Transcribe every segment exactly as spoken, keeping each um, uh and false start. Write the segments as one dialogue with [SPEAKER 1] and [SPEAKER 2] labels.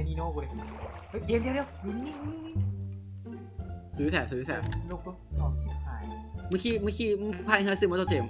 [SPEAKER 1] นีโน่กูเลยเฮ้ยเดี๋ยวเดี๋ยวเดี๋ยวนี่นี่นี่
[SPEAKER 2] ซื้อแถบซื้อแถบ
[SPEAKER 1] ลูกลูกออกชิบหาย
[SPEAKER 2] เมื่อกี้เมื่อกี้พายเฮอร์ซิมอเตอร์เจม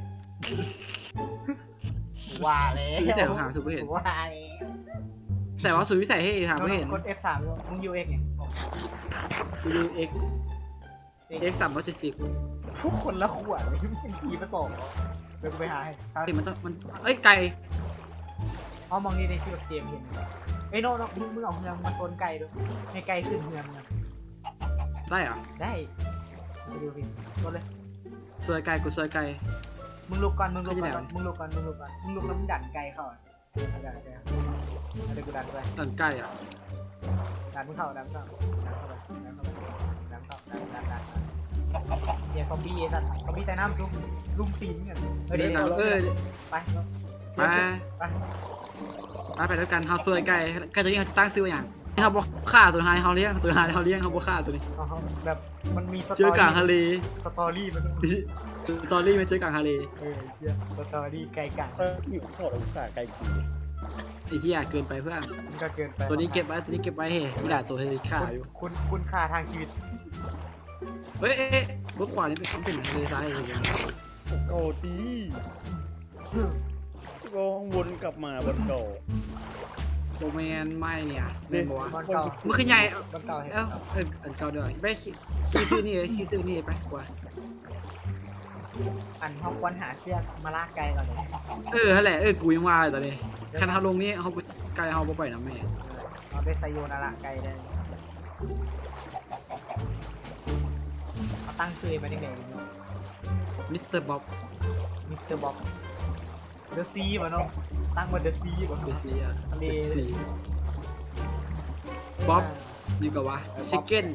[SPEAKER 1] ว่าแล้ว
[SPEAKER 2] ซื้อแถบหาซื้อไม่เห็น
[SPEAKER 1] ว่าแล้ว
[SPEAKER 2] แต่ว่าซื้อใส่ให้หาไม่เห็น
[SPEAKER 1] กด เอฟ สามด้วยมึงยูเอ็กเนี่ย
[SPEAKER 2] กูดู X X สามร้อยเจ็ดสิบ
[SPEAKER 1] ทุกคนละขวดเลยมันเป็นทีผสมเดี๋ยวกูไปหาให้ครับ
[SPEAKER 2] มันต้องมันเอ้ยไก่
[SPEAKER 1] อ๋อมองนี่ในที่แบบเกมเห็นเอ้ยโน่โน่มึงมึงเอาเมืองมาโซนไก่ด้วยให้ไก่ขึ้นเมืองเนี่ย
[SPEAKER 2] ได้เหรอ
[SPEAKER 1] ได้ไปดูพี่กดเลย
[SPEAKER 2] ซวยไก่กูซวยไก่
[SPEAKER 1] มึงลุกก่อนมึงลุกก่อน
[SPEAKER 2] เขาจะไหน
[SPEAKER 1] มึงลุกก่อนมึงลุกก่อนมึงลุกแล้วมึงดันไก่เข้าอ่ะดันไก่เดี๋ยวกูดันไป
[SPEAKER 2] ตันไก่อ่ะ
[SPEAKER 1] ดันมึงเข้าดันเข้าดันเข้าไปดันเข้าไปดันเข้าดันดันดันเนี่ยซอมบี้ไอ้สัตว์ซอมบี้ใต้น้ำซุ่มลุ่มตีนกันเออ
[SPEAKER 2] เดิ
[SPEAKER 1] เดี๋ย
[SPEAKER 2] น
[SPEAKER 1] ว
[SPEAKER 2] หนังเออ
[SPEAKER 1] ไป
[SPEAKER 2] ไป
[SPEAKER 1] ไป
[SPEAKER 2] ไปไปด้วยกันเฮาซวยไก่ไก่ตัวนี้เขาจะตั้งซื้ออย่างเขาบอกฆ่าตัวท้ายเขาเลี้ยงตัวท้ายเขาเลี้ยงเขาบอกฆ่าตัวนี้
[SPEAKER 1] เอาแบบมันมีสต
[SPEAKER 2] เจ
[SPEAKER 1] อ
[SPEAKER 2] อกลาง
[SPEAKER 1] รี่
[SPEAKER 2] ทะเล
[SPEAKER 1] สตอรี่มันต้อง
[SPEAKER 2] สตอรี่มันเจอกลางทะเล
[SPEAKER 1] เออเหี้ยสตอรี่ไก่กะ
[SPEAKER 3] เอออยู่ขอดอุตส่าห์ไกลกี่
[SPEAKER 2] ไอ้เหี้ยเกินไปเพื่อน
[SPEAKER 1] มันก็เกินไป
[SPEAKER 2] ตัวนี้เก็บไว้ตัวนี้เก็บไว้เฮ้ไม่ได้ตัวทะเลฆ่าอยู่
[SPEAKER 1] คุณคุณค่าทางชีวิต
[SPEAKER 2] เฮ้ยเอ๊ะรถขวานี่เป็นเป็นทะเลทรายเลย
[SPEAKER 3] เก่าดีก็วนกลับมาบนเก่า
[SPEAKER 2] โดแมนไม่เนี่ยเล่นบอกว่า
[SPEAKER 1] มันเก่า
[SPEAKER 2] มันคือใหญ่
[SPEAKER 1] มันเก่าเห็น
[SPEAKER 2] เอ้าเอออันเก่าเดี๋ยวไปชี้ซื้อนี่เลยชี้ซื้อนี่ไปกว่า
[SPEAKER 1] อันเขาควรหาเสื้อมาลากไก่ก่อนเลย
[SPEAKER 2] เออนั่นแหละเออกูยังว่าเลยตอนนี้คันเขาลงนี่เขาไกลเขาบ่ปล่อยน้ำแม่
[SPEAKER 1] เอาไปไซโยนาระไก่ได้เขาตั้งชื่อมาได้ไง
[SPEAKER 2] มิสเตอร์บ๊อบ
[SPEAKER 1] มิสเตอร์บ๊อบเดอะซีมาเนาะตั้งมาเดอะซีมา
[SPEAKER 2] เดซีอะ
[SPEAKER 1] ทะเล
[SPEAKER 2] เดซีบ๊อบนี่ก็ว่าชิคเก้น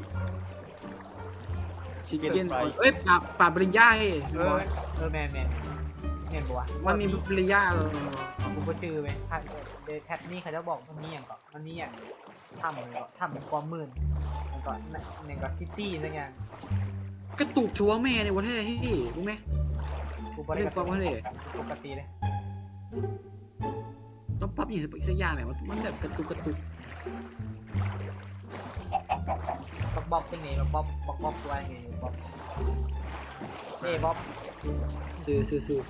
[SPEAKER 2] ชิคเก้นเอ้ยปลาปลาปริญญาเฮ้
[SPEAKER 1] เออเออแมนแมนเห็นปะวะ
[SPEAKER 2] มันมีปริญญา
[SPEAKER 1] กูก็จือไปถ้าเดแท็บนี่เขาจะบอกมันมีอย่างก่อนมันมีอย่างทำมันก็ทำเป็นความมืดมันก็หนึ่งก็ซิตี้อะไรเงี้ย
[SPEAKER 2] กระตุกชัวแม่ในวันแท้เฮ้รู้ไหม
[SPEAKER 1] กูบริ
[SPEAKER 2] เรื่อง
[SPEAKER 1] กา
[SPEAKER 2] ความว่าเลย
[SPEAKER 1] ปกติเลย
[SPEAKER 2] ต้องปรับอย่างสักอย่างเนี่ยมันแบบกระตุกกระตุก
[SPEAKER 1] บ๊อบบ๊อบเป็นไงบ๊อบบ๊อบบ๊อบตัวไงบ๊อบเอ้บ๊อบ
[SPEAKER 2] ซื้อซื้อซื้อ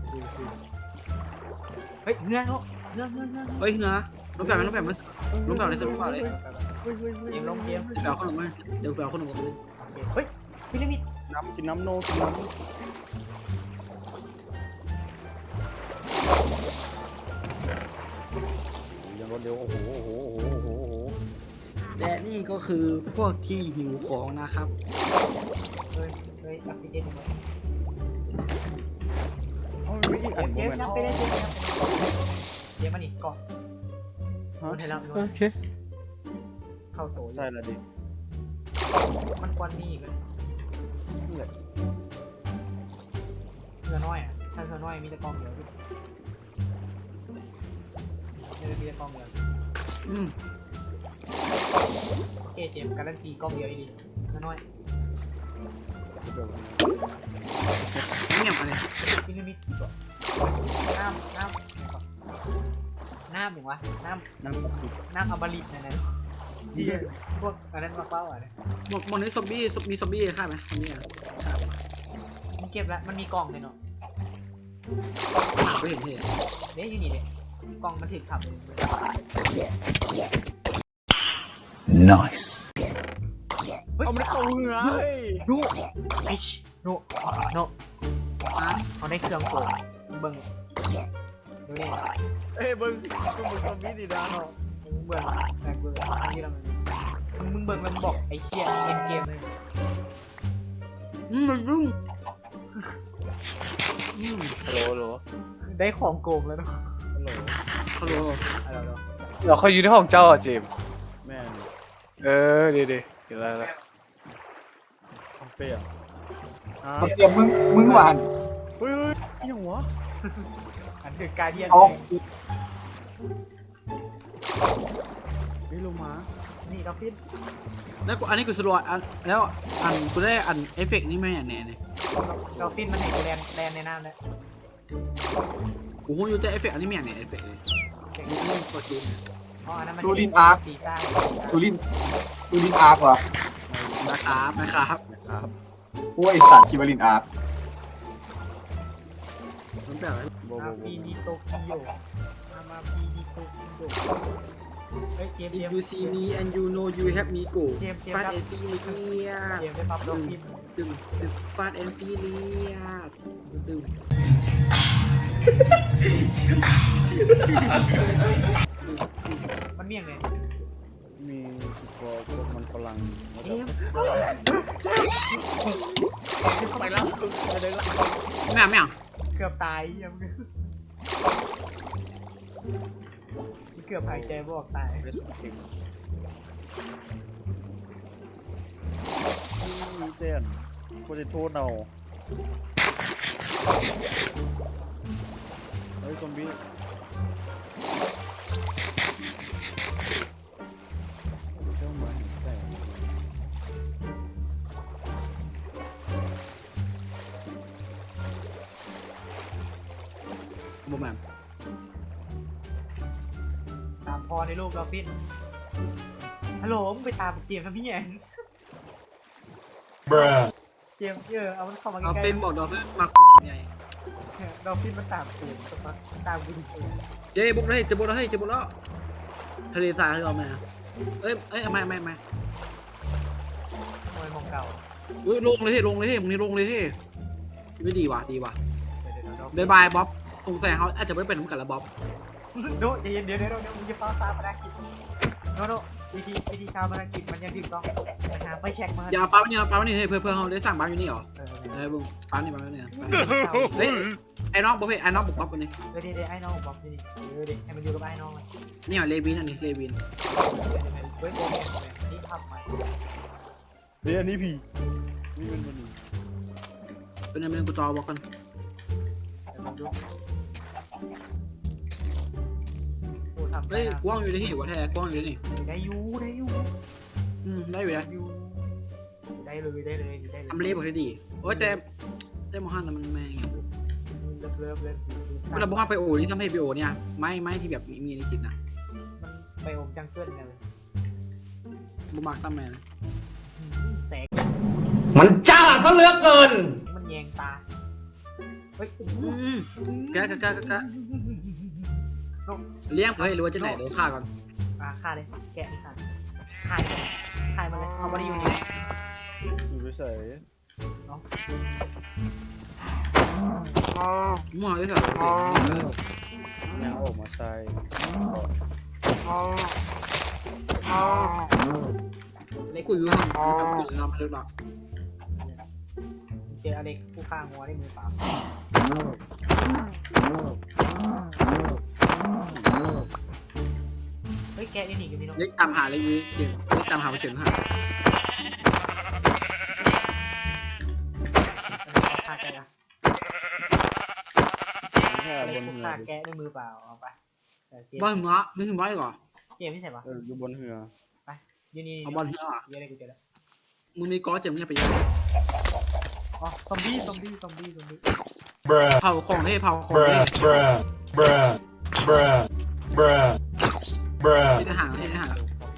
[SPEAKER 1] เฮ้ยเงื้อเขาเงื้อเงื้อเงื้อ
[SPEAKER 2] เฮ้ยเหือรูปแบบมันรูปแบบมันรูปแบบในสรูปแบบเลย
[SPEAKER 3] เฮ้ยเฮ้ยเฮ้ย
[SPEAKER 1] เกมลงเกม
[SPEAKER 2] เดี๋ยวเอาขนมมาเดี๋ยวเอาขนมมาเลย
[SPEAKER 1] เฮ้ยพีระมิด
[SPEAKER 3] น้ำกินน้ำโนกินน้ำยังรถเร็วโอ้โหโอ้โหโอ้โหโอ้โหโอ้โห
[SPEAKER 2] และนี่ก็คือพวกที่หิวของนะครับ
[SPEAKER 1] เฮ้ยเฮ้ยออกซิเจนหมด
[SPEAKER 3] เอาไม่อีก
[SPEAKER 1] เก
[SPEAKER 3] อัน
[SPEAKER 1] ม
[SPEAKER 3] โม
[SPEAKER 1] เกม
[SPEAKER 3] เมนต์
[SPEAKER 1] ยังไปได้เกมยังเกมมันนี่ก่อน
[SPEAKER 3] ฮะ
[SPEAKER 1] มันให้เรา
[SPEAKER 3] โอเค
[SPEAKER 1] เข้าโต
[SPEAKER 3] ใช่ละดิ
[SPEAKER 1] มันควันมีอีกเลย
[SPEAKER 3] นี่แหละ
[SPEAKER 1] เรือน้อยอ่ะถ้าเรือน้อยมีแต่กองเดียวพี่ไม่ได้มีแต่กองเดียว
[SPEAKER 2] อืม
[SPEAKER 1] เอเจมการันตีกองเดียวดีเรือน้อย
[SPEAKER 2] เงียบอะไร
[SPEAKER 1] พีระมิดก่อนน้ำน้ำน้ำอย่างวะน้ำ
[SPEAKER 3] น้ำปกติ
[SPEAKER 1] น้ำอมฤตนั่นนะที่พวกอันนั้นมาเป้าอ่ะเนี่ย
[SPEAKER 2] หมดหมดนี้ซอมบี้มีซอมบี้ฆ่าไหมอันนี้อ่ะ
[SPEAKER 1] มันเก็บแล้วมันมีกล่องเลยเนาะ
[SPEAKER 2] หาไม่เห็นเหตุ
[SPEAKER 1] เด้อยู่นี่เด้กล่องมันถึกขับเลย
[SPEAKER 4] Nice.
[SPEAKER 3] เอามันเข้าเหงือเฮ้ย
[SPEAKER 1] ดูไอชโนโน
[SPEAKER 2] อ่ะ
[SPEAKER 1] เขาได้เครื่องโกงเบิ้งดูนี่
[SPEAKER 3] เอ้ยมึงมึงมึงซอมบี้ดีนะ
[SPEAKER 1] มึงเบิ้งแต่กูอันนี้เรามึงมึงเบิ้งมันบอกไอเชียเอ็นเกมเลย
[SPEAKER 2] อืมมันรุ่งอืม
[SPEAKER 3] ฮัลโหลฮัลโหล
[SPEAKER 1] ได้ของโกงแล้วเนาะ
[SPEAKER 3] ฮัลโหล
[SPEAKER 2] ฮัลโหล
[SPEAKER 1] อะไรเนาะ
[SPEAKER 5] เราเขาอยู่ในห้องเจ้าอ่ะเจมส์
[SPEAKER 3] แม่น
[SPEAKER 5] เออดีดีเดี๋ยวแล้ว
[SPEAKER 3] คอมเปียอ่า
[SPEAKER 4] เดี๋ยวมึงมึงหวาน
[SPEAKER 3] เฮ้ยเฮ้ยยังวะ
[SPEAKER 1] อันคือการเดียน
[SPEAKER 4] เอา
[SPEAKER 3] เฮ้ยโลมา
[SPEAKER 1] นี่เราพิน
[SPEAKER 2] แล้วกูอันนี้กูสรวจอันแล้วอันกูได้อันเอฟเฟกต์นี่ไหมอันไหนเนี่ย
[SPEAKER 1] เราพินมันเห็นกูแลนแลนในน้ำแล้ว
[SPEAKER 2] กูหูอยู่แต่เอฟเฟกต์อันนี้ไม่อย่างไหนเอฟเฟกต์เลยนี่นี่ฟอร์จูน
[SPEAKER 1] อ๋ออันนั้นมัน
[SPEAKER 4] ซูรินอาร์ค
[SPEAKER 1] ตีใต้
[SPEAKER 4] ตูลินตูลินอาร์ควะ
[SPEAKER 2] นะครับนะครับ
[SPEAKER 3] นะครับ
[SPEAKER 4] พวกไอสัตว์คิดว่าลินอาร์ค
[SPEAKER 2] ตั้งแต่
[SPEAKER 3] โบ
[SPEAKER 1] มา
[SPEAKER 3] โบโบ
[SPEAKER 1] ปีนิโตกิโยมามาปีนิโตกิโยเฮ้ยเกม
[SPEAKER 2] if
[SPEAKER 1] เกม
[SPEAKER 2] you see me and you know you have me go
[SPEAKER 1] เกมเกม
[SPEAKER 2] fast
[SPEAKER 1] ครับ
[SPEAKER 2] and furious
[SPEAKER 1] เกมได้ปรับดอกพิมพ์
[SPEAKER 2] ดึงดึง fast and furious ดึง
[SPEAKER 1] มันเมี่ยงเลย
[SPEAKER 3] มีสิบกว่าพวกมันฝรั่งแล้ว
[SPEAKER 1] เก
[SPEAKER 3] ก็
[SPEAKER 1] มไปแล้วไปเลยแล้ว
[SPEAKER 2] ไม่เอาไม่เอา
[SPEAKER 1] เกือบตายยังเกือบหายใจบออกตาย
[SPEAKER 3] เรสเก่งนี่เต้นกูจะโทษเอาเฮ้ยซอมบี้เจ้ามาแต่
[SPEAKER 2] บ่แม่น
[SPEAKER 1] ตามพอในโลกเราฟินฮัลโหลมึงไปตามเกมทำพี่แยงเกมเออเอามันเข้ามา
[SPEAKER 2] เอา
[SPEAKER 1] ใกล้
[SPEAKER 2] เฟรมบอกดอกเฟรมมาใหญ่
[SPEAKER 1] ๆเราฟินมันตามเกมสักพักตามกูดิเออ
[SPEAKER 2] เจ๊บุกเลยเจ๊บุกแล้วเฮ้ยเจ๊บุกแล้วทะเลทรายคือเอามาเอ้ยเอ้ยไม่ไม่ไม่
[SPEAKER 1] มวยมองเก่า
[SPEAKER 2] เอ้ยลงเลยเฮ้ยลงเลยเฮ้ยมึงนี่ลงเลยเฮ้ยไม่ดีว่ะดีว่ะ
[SPEAKER 1] เดี๋ยวเดี๋ยว
[SPEAKER 2] บายบายบ๊อบสงสัยเขาอาจจะไม่เป็นเหมือนกันละบ๊อบ
[SPEAKER 1] โน้เดี๋ยวเดี๋ยวเดี๋ยวเดี๋ยวมึงจะฟ้าซาภารกิจโน้โน้วิธีวิธีชาวภารกิจมันยังถูกต้องไปหาไปเช็คมา
[SPEAKER 2] อย่าปั๊มนี่ปั๊มนี่เฮ้ยเพื่อเพื่อเขาได้สั่งปั๊มอยู่นี่เหรอ
[SPEAKER 1] เออ
[SPEAKER 2] เฮ้ยบุ้งปั๊มนี่ปั๊มนี่เนี่ย
[SPEAKER 1] เฮ้
[SPEAKER 2] เฮ้
[SPEAKER 1] ย
[SPEAKER 2] ยไอ้น้องบ๊อบเฮ้ยไอ้น้องบุกบ๊อบคนนี้
[SPEAKER 1] เดี๋ยวเดี๋ยวไอ้น้องบอกดิเออเดี๋ยวให้มันอยู่กับไอ้น้องเลย
[SPEAKER 2] นี่เหรอเลวินอันนี้เลวิน
[SPEAKER 1] เฮ้ยโกงเนี่ยนี่ทำใหม่
[SPEAKER 3] เฮ้ยอันนี้ผีนี่เป็นมันนี่
[SPEAKER 2] เป็นอะไรเป็นกูจอบอกกัน
[SPEAKER 1] เดี๋ยวมันดูโอ้ทำ
[SPEAKER 2] เฮ้ยกว้างอยู่ในที่หัวแท้กว้างอยู่ในนี่
[SPEAKER 1] ได้ยูได้ยู
[SPEAKER 2] อืมได้อยู่นะ
[SPEAKER 1] ยูได้เลยได้เลยได้เลย
[SPEAKER 2] ทำเล็บบอกได้ดีโอ้ยแต่แต่มอฮันมันแม่งอย่าง
[SPEAKER 1] เลิฟเลิฟเลิฟ
[SPEAKER 2] เวลาบอกว่าไปโอนี่ทำให้ไปโอเนี่ยไม่ไม่ที่แบบมีในจิตนะ
[SPEAKER 1] มันไปอมจังเกิลกันเลย
[SPEAKER 2] บุมากซ้ำแม่นะ
[SPEAKER 1] แสง
[SPEAKER 4] มันจ้าซะเหลือเกิน
[SPEAKER 1] มันแยงตาเฮ้ย
[SPEAKER 2] อืมกะกะกะกะกะเลี้ยงเฮ้ยรู้ว่าจะไหนเดี๋ยวฆ่าก่อน
[SPEAKER 1] อ่าฆ่าเลยแกะนี่ฆ่าฆ่าฆ่ามันเลยเอามาดิอยู่นี่
[SPEAKER 3] อยู่ไปใส่
[SPEAKER 1] เนาะ
[SPEAKER 2] มั่วเลยเถอะ
[SPEAKER 3] ยังออกมาใส่
[SPEAKER 2] ในกูอยู่ห้องทำกูทำอะไรหรอก
[SPEAKER 1] เจออเล็กผู้ฆ่างัวได้มือเปล่าเฮ้ยแกะนี่หนีกันพี่น้อง
[SPEAKER 2] เล็กตามหาเลยวิเจ็บเล็กตามหาไปเฉิงหา
[SPEAKER 1] ฆ่าแกะอะ
[SPEAKER 3] แค่
[SPEAKER 1] อเล็
[SPEAKER 3] บ
[SPEAKER 1] ก
[SPEAKER 3] น
[SPEAKER 1] ผู้
[SPEAKER 3] เหือ
[SPEAKER 1] ฆ่าแกะด้วยมือเปล่าเอาไปเกม
[SPEAKER 2] บอลหัวไม่ถึงร้อยก่อน
[SPEAKER 1] เกมที่ไหนวะ
[SPEAKER 3] เอออยู่บนเหือ
[SPEAKER 1] ยืนนี่
[SPEAKER 2] เอาบอลเฮียอ่ะ
[SPEAKER 1] เยอะเลยกูเจอแล้ว
[SPEAKER 2] มึงมีก้อเจ็บมึงจะไปยัง
[SPEAKER 1] อ๋อซอมบี้ซอมบี้ซอมบี้ซอมบี้
[SPEAKER 2] เผาของเท่เผาของเท่
[SPEAKER 4] bruh bruh bruh bruh
[SPEAKER 2] ที่ทหารที่ทหาร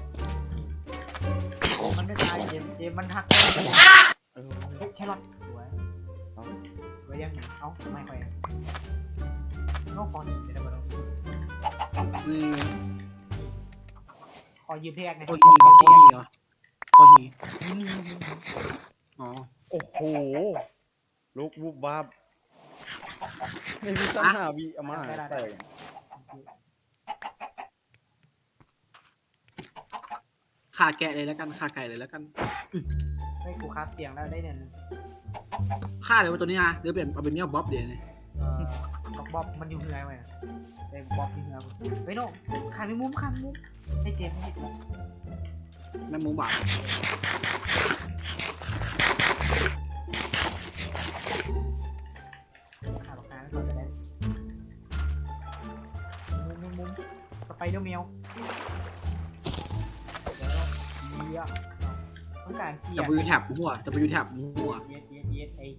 [SPEAKER 1] มันไม่ตายเกมเกมมันหัก
[SPEAKER 3] เออ
[SPEAKER 1] เฮ้ยแครอทสวยสวยยังเอ้าไม่ค่อยนอกคอหนีไม่ได้มาแล้ว
[SPEAKER 2] อืม
[SPEAKER 1] ขอยืมเพกนะ
[SPEAKER 2] โคตรหีโคตรหีเหรอโคตรหีอ๋อ
[SPEAKER 3] โอ้โหลุกวุบวับในพิซซ่าหาวีเอามาให้แต่
[SPEAKER 2] ขาแกะเลยแล้วกันขาไก่เลยแล้วกัน
[SPEAKER 1] เฮ้ยกูคับเตียงแล้วได้เนี่ย
[SPEAKER 2] ฆ่าเลยว่าตัวนี้นะหรือเป็นเอาเป็นเนี้ยบ๊อบเดี๋ยวนี้
[SPEAKER 1] เอ่อบอกบ๊อบมันอยู่เหือไหมไอ้บ๊อบที่เหือเฮ้ยโน่ขายไม่มุ้มขายไม่มุ้มให้เจมให้
[SPEAKER 2] แม่หมูบาด
[SPEAKER 1] ขายราคาก่อนจะได้มุ้มมุ้มมุ้มสไปเดอร์แมวเดี๋ยวเยี่ยต้องการเสีย
[SPEAKER 2] จะไปยูแท็บหัวจะไปยูแท็บหัว
[SPEAKER 1] เย็ดเย็ดเย็ดไอ้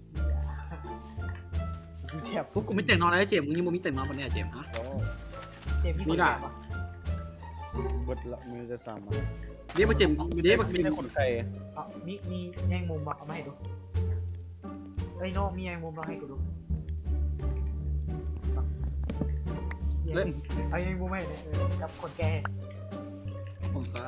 [SPEAKER 1] เจ็บ
[SPEAKER 2] พวกกูไม่แต่งนอนแล้วเจมมึงยังมึงมีแต่งนอนปะเนี่ยเจมฮะ
[SPEAKER 3] โอ้
[SPEAKER 1] เจ็บที่
[SPEAKER 2] มี
[SPEAKER 1] คน
[SPEAKER 2] ด่า
[SPEAKER 1] เจ็บอ่ะ
[SPEAKER 3] เบิดละมือจะสามอัน
[SPEAKER 2] เดี๋ยวมาเจ็บเดี๋ยวมา
[SPEAKER 3] มี
[SPEAKER 2] เจ็
[SPEAKER 3] แต่
[SPEAKER 2] บ
[SPEAKER 3] ขนไก่
[SPEAKER 1] เอามีมีแยงมุมบอกเอามาให้ดูเอ้ยโน่มีแยงมุมเราให้กูดูเอา
[SPEAKER 2] เล่น
[SPEAKER 1] เอาแยงมุมให้เนี่ยเออกับคนแก่
[SPEAKER 2] ผมซะ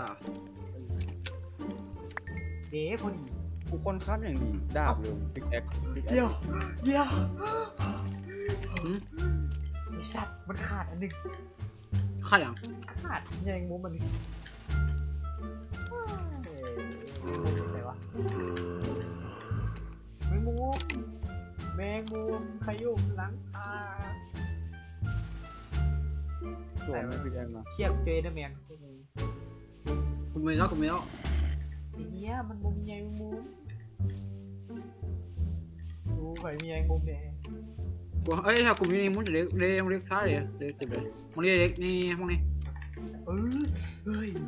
[SPEAKER 1] เด้พอดี
[SPEAKER 3] กูคนข้ามอย่างดีดาบเลยบิ๊กแอ็กบิ๊กแอ็
[SPEAKER 1] เดี๋ยว
[SPEAKER 3] ก
[SPEAKER 1] เดี๋ยว
[SPEAKER 2] หืม
[SPEAKER 1] ไอ้สัตว์มันขาดอันหนึง
[SPEAKER 2] ข้าอย่าง
[SPEAKER 1] ขาดแยงมุมมันนี่เอ้ยไหนวะแมงมุมแมงมุมขยุ่มหลังคา
[SPEAKER 3] สวยไหมบิ๊กแอ็กนะ
[SPEAKER 1] เชียบเจนะแมง
[SPEAKER 2] คุณมีแล้วคุณมีแล้ว
[SPEAKER 1] ไอ้เนี้ยมันมุมใหญ่มุมดูไปมีแยงมุมเนี่ย
[SPEAKER 2] กูเอ้ยถ้ากูมีนี่มึงเด็กเด็กมึงเด็กซ้ายเลยเด็กเจ็บเลยมึงเด็กนี่นี่มึงนี่
[SPEAKER 1] เออเฮ้ย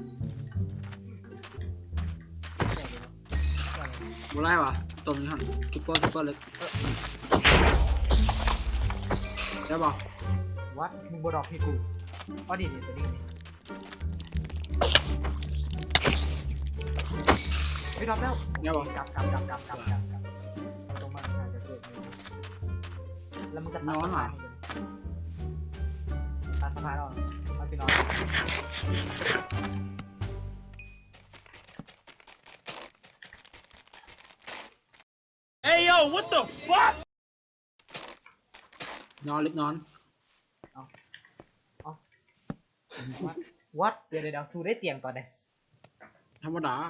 [SPEAKER 2] บุไรวะตัวนี้หันซุปเปอร์ซุปเปอร์เล็กได้ป่ะ
[SPEAKER 1] วัดมึงบดอกให้กูอ๋อดีนี่ตัวนี้ไม่รับแล้ว
[SPEAKER 2] ได้ป่ะ
[SPEAKER 1] กลับกลับกลับกลับกลับกลับกลับตรงมาอาจจะเกิดแล้วมึงจะตัดสะพานตัดสะพานออกมาไปนอน
[SPEAKER 2] นอนเล็กนอน
[SPEAKER 1] วัดเดี๋ยวเดี๋ยวสู้ได้เตียงก่อนเลย
[SPEAKER 2] ธรรมดา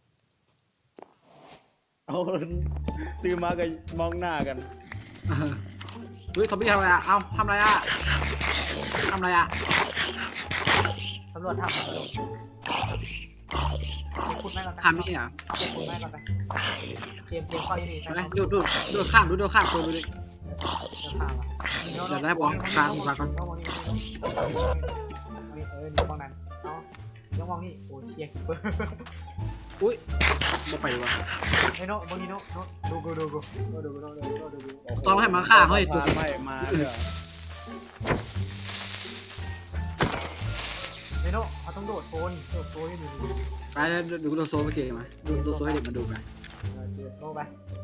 [SPEAKER 3] เอาตื่นมาก็มองหน้ากัน
[SPEAKER 2] เฮ้ยทอมบี้ทำอะไรอ่ะเอ้าทำอะไรอ่ะทำอะไรอ่ะ
[SPEAKER 1] ตำรวจทำตำรวจขุดแม่ก่อนไป
[SPEAKER 2] ทำนี่อ่ะ
[SPEAKER 1] เตรียมขุดแม่ก่อนไปเตรียมเตรียมข้อยี่นี่
[SPEAKER 2] เห็นไหมดูดูดูข้ามดูดูข้ามตัวดูดิ
[SPEAKER 1] เดี๋ยว
[SPEAKER 2] เดี๋ยวได้บอกกลางกลางก่อน
[SPEAKER 1] เออนี่มองนั้นเอาเดี๋ยวมองนี่โอ้ยเชียร์คิปเปอร์
[SPEAKER 2] อุ้ยบ่ไปดีกว่า
[SPEAKER 1] ไอ้โน่มองนี่โน่โน่ดูกูดูกูดูกูดูกูดูกูดูกู
[SPEAKER 2] ต้องให้มาฆ่าเฮ้ยตัว
[SPEAKER 3] มาไม่มาเถอะ
[SPEAKER 1] ไอ้โน่เขาต้องโดดโซนโดดโซนให้ดู
[SPEAKER 2] ไปแล้วดูดูโซ่เมื่อกี้มาดูดูโซ่ให้เด็กมาดูไป
[SPEAKER 1] โน่ไป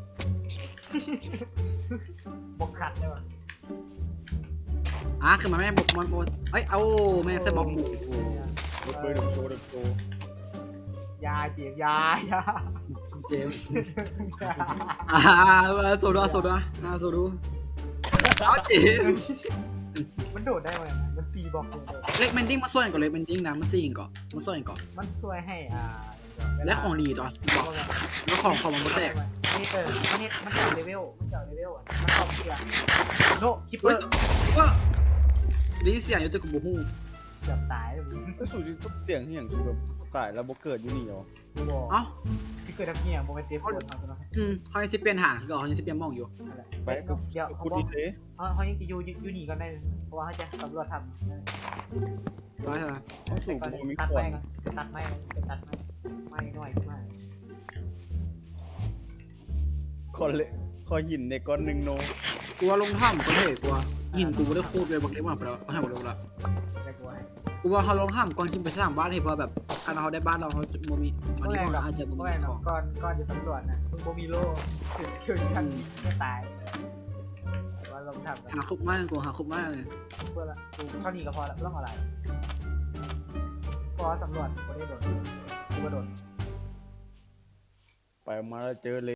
[SPEAKER 1] บกขัดได้ป่ะ
[SPEAKER 2] อ่ะคือมันไม่บอกมันเอ้ยเอาแม่งเส้นบอกกู
[SPEAKER 3] เด็กเบอร์เด็กโชว์เด็กโชว์
[SPEAKER 1] ยาเจียยา ยา
[SPEAKER 2] เจมส์อ่าโซดาโซดาอ่าโซดูเอาเจมส์
[SPEAKER 1] มันโดดได้ไหมมันซีบอกเลย
[SPEAKER 2] เล็กแมนดิ้งมาส่วนก่อนเล็กแมนดิ้งนะมันซีก่อนมาส่วนก่อน
[SPEAKER 1] มันช่วยให้อ่า
[SPEAKER 2] และของดีต่อบอกแล้วของของมันแตก
[SPEAKER 1] นี่เออมันนี่มันเจาะเลเวลมันเจาะเลเวลอ่ะมันตอบเสียงโน่คิปเป
[SPEAKER 2] เฮ้
[SPEAKER 1] อย ร์
[SPEAKER 2] ว่าดีเสียงอยู่ตัวกับบูฮู
[SPEAKER 1] เกือบตายเลย
[SPEAKER 3] ก็สู่ที่ตุ๊กเตียงที่อย่างคือแบบตายแล้วบ่เกิดอยู่นี่เหรอ
[SPEAKER 1] มึงบอก
[SPEAKER 2] เอ้า
[SPEAKER 1] ที่เกิดทับเงี้ยโมเมนต์เจ็บปวดเขาจะมา
[SPEAKER 2] อืมเขายังสิเปลี่ยนหางคือเขายังสิเปลี่ยนมองอยู่
[SPEAKER 3] ไป
[SPEAKER 1] เดี๋ยวเขา
[SPEAKER 3] คุณ
[SPEAKER 1] บอก
[SPEAKER 3] อีเท
[SPEAKER 1] เขาเขายังจะอยู่อยู่นี่กันได้เพราะว่าเขาจะตำรวจทำ
[SPEAKER 2] ร้อยเท่าไหร่
[SPEAKER 3] ต้องสู่กูมี
[SPEAKER 1] ตัด
[SPEAKER 3] ก่อ
[SPEAKER 1] ไม้
[SPEAKER 3] น
[SPEAKER 1] ก่อนตัดไม้ตัดไม้ไม้หน่อยไม้
[SPEAKER 3] คอนเละคอหินในก้อนหนึ่งโน
[SPEAKER 2] กลัวลงถ้ำก็เท่กลัวหินกูไม่ได้คูดเลยบอกได้ว่าไปแล้วก็ให้หมดเลยละ
[SPEAKER 1] จะกลัว
[SPEAKER 2] กูว่าเขาลงถ้ำก่อนขึ้นไปสร้างบ้านให้เพื่อแบบถ้าเราได้บ้านเราเขาจะมีมันที่เราอาจจะ
[SPEAKER 1] เพ
[SPEAKER 2] มี
[SPEAKER 1] ราะว่า
[SPEAKER 2] ของ
[SPEAKER 1] ก่อนก่อนจะสำรวจนะมึงโมมีโล่ถือสกิลที่ทำยิงไม่ตายว่าลงทำ
[SPEAKER 2] หาคุบมากกูหาคุบมากเลย
[SPEAKER 1] เพื่อละกูเท่านี้ก็พอละต้องอะไรพอสำรวจกูได้โดดกูก็โดด
[SPEAKER 3] ไปมาแล้วเจอเล